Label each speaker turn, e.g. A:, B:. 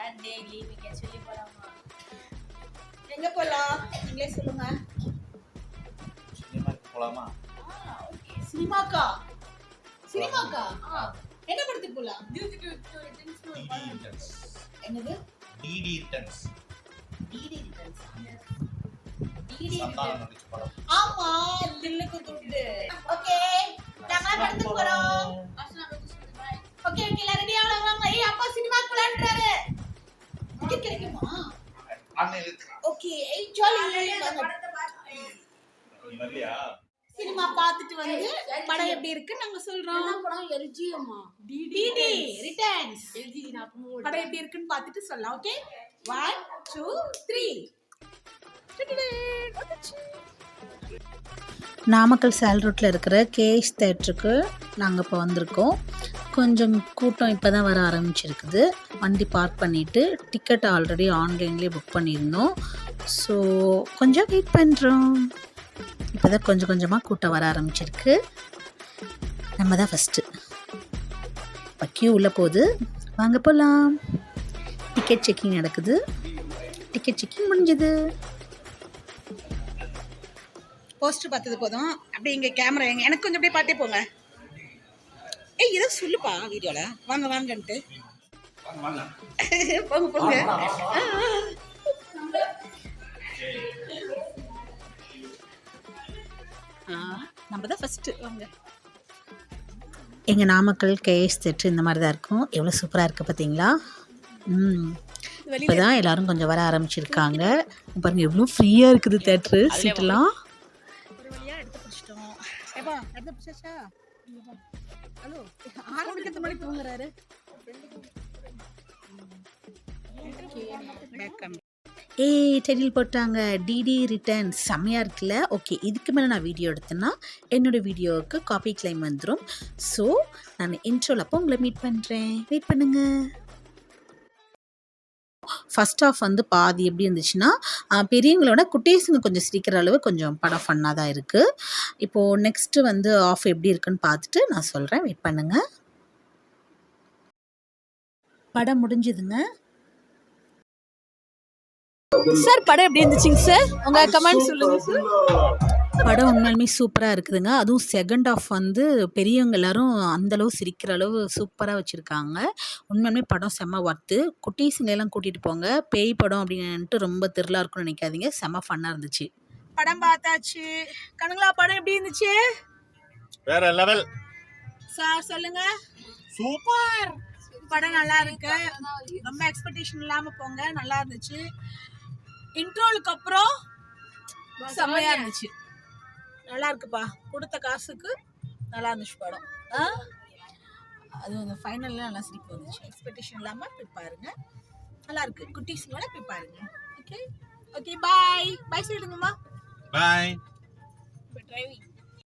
A: டே leaving சொல்லி போலாமா?
B: எங்க போலாம் நீங்களே சொல்லுங்க.
C: சினிமாக்கு போலாமா?
B: ஓகே சினிமாக்கா? சினிமாக்கா? என்ன படத்துக்கு போலாம்? என்னது?
C: DD returns.
B: DD returns.
C: Santhanam நடிச்ச படம்.
B: ஆமா தில்லுக்கு துண்டு. ஓகே நாம படத்துக்கு போறோம். ஓகே ஓகே எல்லாரும் ரெடியா வாங்க. ஏய் அப்பா சினிமாக்கு போலாம்ன்றாரு. டிக்கெட் கிடைக்குமா? ஓகே ஜாலி
C: இல்லையா?
B: சினிமா பார்த்துட்டு வந்து படம் எப்படி இருக்குன்னு நாங்க சொல்றோம்.
A: என்ன படம்? எல்ஜிஎம்மா?
B: DD returns.
A: எல்ஜி நான்
B: படம் எப்படி இருக்குன்னு பார்த்துட்டு சொல்லலாம். ஓகே 1 2 3.
D: நாமக்கல் சேல் ரோட்டில் இருக்கிற கேஎஸ் தேட்டருக்கு நாங்கள் இப்போ வந்திருக்கோம். கொஞ்சம் கூட்டம் இப்போ தான் வர ஆரம்பிச்சிருக்குது. வண்டி பார்க் பண்ணிவிட்டு டிக்கெட் ஆல்ரெடி ஆன்லைன்லேயே புக் பண்ணியிருந்தோம். ஸோ கொஞ்சம் வெயிட் பண்ணுறோம். இப்போ தான் கொஞ்சம் கொஞ்சமாக கூட்டம் வர ஆரம்பிச்சிருக்கு. நம்ம தான் ஃபஸ்ட்டு. இப்போ கியூ உள்ளே போகுது, வாங்க போகலாம். டிக்கெட் செக்கிங் நடக்குது. டிக்கெட் செக்கிங் முடிஞ்சது.
B: போஸ்டர் பார்த்தது போதும். அப்படியே இங்கே கேமரா எனக்கு கொஞ்சம் அப்படியே பாட்டே போங்க. ஏய் இதை சொல்லுப்பா வீடியோல வாங்க வாங்கன்ட்டு போங்க போங்க. நம்ம தான் ஃபஸ்ட்டு வாங்க.
D: எங்கள் நாமக்கல் கேஎஸ் தேட்ரு இந்த மாதிரி தான் இருக்கும். எவ்வளோ சூப்பராக இருக்குது பார்த்தீங்களா? இப்போ தான் எல்லோரும் கொஞ்சம் வர ஆரம்பிச்சிருக்காங்க. பாருங்கள் எவ்வளோ ஃப்ரீயாக இருக்குது தேட்ரு சீட்டெல்லாம்.
B: ஒரு வழியாக எடுத்து பிடிச்சிட்டோம். ஏப்பா எடுத்து பிடிச்சாச்சா? ஹலோ 6 மணிக்கு மணி தூங்குறாரு.
D: டைட்டில் போட்டாங்க டிடி ரிட்டர்ன். செம்மையாக இருக்குல்ல? ஓகே இதுக்கு மேலே நான் வீடியோ எடுத்தேன்னா என்னோடய வீடியோவுக்கு காப்பி கிளைம் வந்துடும். ஸோ நான் இன்ட்ரோல் அப்போ உங்களை மீட் பண்ணுறேன். வெயிட் பண்ணுங்கள். ஃபஸ்ட் ஆஃப் வந்து பாதி எப்படி இருந்துச்சுன்னா பெரியவங்களோட குட்டீஸுங்க கொஞ்சம் சிரிக்கிற அளவு கொஞ்சம் படம் ஃபன்னாக தான் இருக்குது. இப்போது நெக்ஸ்ட்டு வந்து ஆஃப் எப்படி இருக்குன்னு பார்த்துட்டு நான் சொல்கிறேன். வெயிட் பண்ணுங்கள். படம் முடிஞ்சுதுங்க.
B: சார் படம் எப்படி இருந்துச்சுங்க சார்? உங்கள் கமெண்ட் சொல்லுங்கள் சார்.
D: படம் உண்மையுமே சூப்பராக இருக்குதுங்க. அதுவும் செகண்ட் ஆஃப் வந்து பெரியவங்க எல்லோரும் அந்தளவு சிரிக்கிற அளவு சூப்பராக வச்சுருக்காங்க. உண்மையுமே படம் செம்ம ஒர்த்து. குட்டீஸுங்களெல்லாம் கூட்டிகிட்டு போங்க. பேய் படம் அப்படின்ட்டு ரொம்ப திரிலாக இருக்கும்னு நினைக்காதீங்க. செம்ம ஃபன்னாக இருந்துச்சு.
B: படம் பார்த்தாச்சு. கணுங்களா படம் எப்படி இருந்துச்சு?
C: வேற லெவல்.
B: சார் சொல்லுங்க.
C: சூப்பர்.
B: படம் நல்லா இருக்கு. ரொம்ப எக்ஸ்பெக்டேஷன் இல்லாமல் போங்க. நல்லா இருந்துச்சு. இன்ட்ரோலுக்கு அப்புறம் செம்மையாக இருந்துச்சு. நல்லா இருக்குப்பா. கொடுத்த காசுக்கு நல்லா இருந்துச்சு படம். அது அந்த ஃபைனலில் நல்லா சிரிப்பு வந்துச்சு. எக்ஸ்பெக்டேஷன் இல்லாமல் போய் பாருங்க. நல்லா இருக்கு. குட்டீஸுங்களோட போய் பாருங்க. ஓகே ஓகே பாய் பாய் சொல்லிடுங்கம்மா.
C: பாய்.
B: டிரைவிங்